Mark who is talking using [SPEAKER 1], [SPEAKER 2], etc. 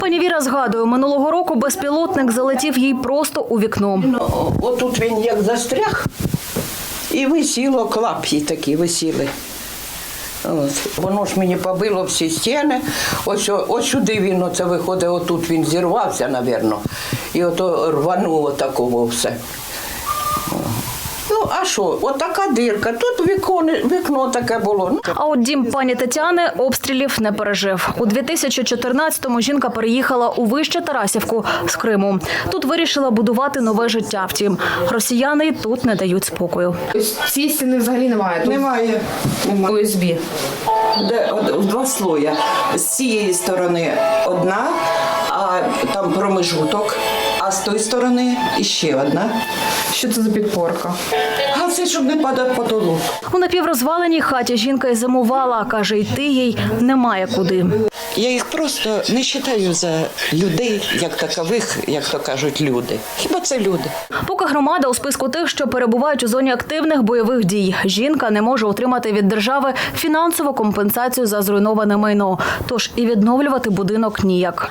[SPEAKER 1] Пані Віра згадує, минулого року безпілотник залетів їй просто у вікно.
[SPEAKER 2] Отут він як застряг і висіло, клап'ї такі висіли. От. Воно ж мені побило всі стіни, ось сюди він оце виходить, отут він зірвався, мабуть, і ото рвануло такого все. Ну, а що, отака дирка, тут вікно таке було.
[SPEAKER 1] А от дім пані Тетяни обстрілів не пережив. У 2014-му жінка переїхала у Вище Тарасівку з Криму. Тут вирішила будувати нове життя. Втім, росіяни й тут не дають спокою.
[SPEAKER 3] Ось цієї стіни взагалі немає? Тут
[SPEAKER 2] Немає.
[SPEAKER 3] ОСБ.
[SPEAKER 2] В два слоя. З цієї сторони одна, а там промежуток, а з тої сторони іще одна.
[SPEAKER 3] Що це за підпорка?
[SPEAKER 2] А це, щоб не падав потолок.
[SPEAKER 1] У напіврозваленій хаті жінка й зимувала. Каже, йти їй немає куди.
[SPEAKER 4] Я їх просто не вважаю за людей, як такових, як то кажуть, люди. Хіба це люди?
[SPEAKER 1] Поки громада у списку тих, що перебувають у зоні активних бойових дій, жінка не може отримати від держави фінансову компенсацію за зруйноване майно. Тож і відновлювати будинок ніяк.